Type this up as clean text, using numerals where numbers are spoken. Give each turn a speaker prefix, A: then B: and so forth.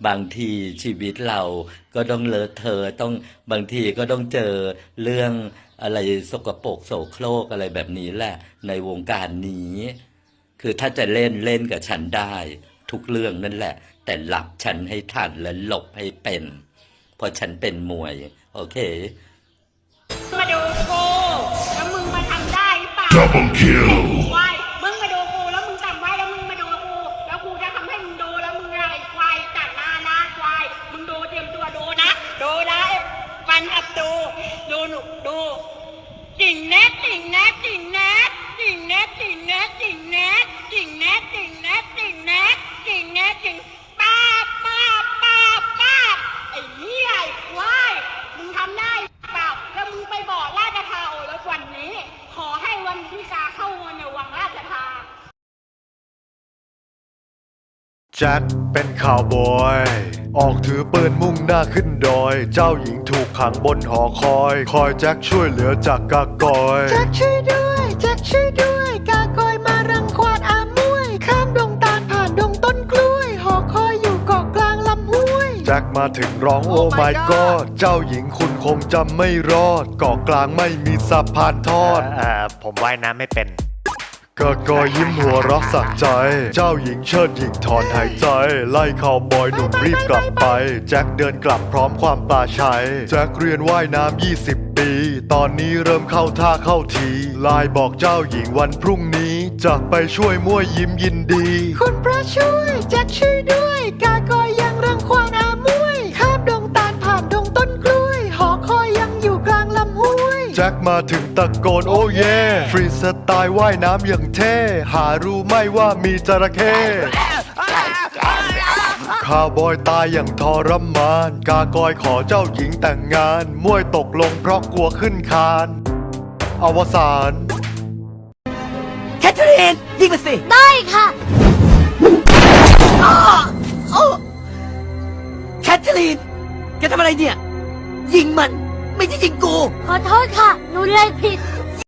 A: บางทีชีวิตเราก็ต้องเลอะเทอะต้องบางทีก็ต้องเจอเรื่องอะไรสกปรกโสโครกอะไรแบบนี้แหละในวงการนี้ คือถ้าจะเล่นเล่นกับฉันได้ทุกเรื่องนั่นแหละ แต่หลับฉันให้ทันและหลบให้เป็นเพราะฉันเป็นมวยโอเค
B: มาดูกูแล้วมึงมาทำได้หรือเปล่า
C: Double kill
B: ควายมึงมาดูกูแล้วมึงจำไว้แล้วมึงมาดูกูแล้วกูจะทำให้มึงดูแล้วมึงอะไรควายจัดหน้านะควายมึงดูเตรียมตัวดูนะฟันอับดูหนุดูจิ่งแนทจิ่งแนทจิ่งแนทจิ่งแนทจิ่งแนทจิ่งแนทจิ่งแนทจิ่งแนทจิ่งแนทจิ่งแนทจิ่งป้าไอ้เหี้ยไอ้ควายมึงทำได้เปล่าแล้วมึงไปบอกราชทาโอแล้ววันนี้ขอให้วันที่กาเข้าเงินในวังราชทา
D: แจ็คเป็นข่าวบอยออกถือปืนมุ่งหน้าขึ้นดอยเจ้าหญิงถูกขังบนหอคอยแจ็คช่วยเหลือจากกากอย
E: แจ็คช่วยด้วยแจ็คช่วยด้วยกากอยมารังควานอามวยข้ามดงตาลผ่านดงต้นกล้วยหอคอยอยู่เกาะกลางลำห้วย
D: แจ็คมาถึงร้องโอ้ my god เจ้าหญิงคุณคงจำไม่รอดเกาะกลางไม่มีสะพานทอด
F: ผมว่ายน้ำไม่เป็น
D: กากอยยิ้มหัวเรักสักใจเจ้าหญิงเชิดหญิงถอนหายใจไล่ข่าวบอยหนุ่มรีบกลับไปแจ็คเดินกลับพร้อมความปลาชัยแจ็คเรียนว่ายน้ำ20 ปีตอนนี้เริ่มเข้าท่าเข้าทีไลน์บอกเจ้าหญิงวันพรุ่งนี้จะไปช่วยมั่วยิ้มยินดี
E: คุณพระช่วยแจ็คช่วยด้วยกากอยยังรังควานอามวยข้ามดงตาลผ่านดงต้นกล้วยหอคอยยังอยู่กลางลำห้วย
D: แจ็คมาถึงตะโกนโอ้เย่ฟรีสไตล์ว่ายน้ำอย่างเท่หารู้ไหม่ว่ามีจระเข้ข้าวบอยตายอย่างทรมานกากอยขอเจ้าหญิงแต่งงานมวยตกลงเพราะกลัวขึ้นคานอวสาน
E: แคทเธอรีนยิงมาสิได้ค่ะแคทเธอรีนแกทำอะไรเนี่ยยิงมันไม่ใช่ยิงกูขอโทษค่ะหนูเลยผิด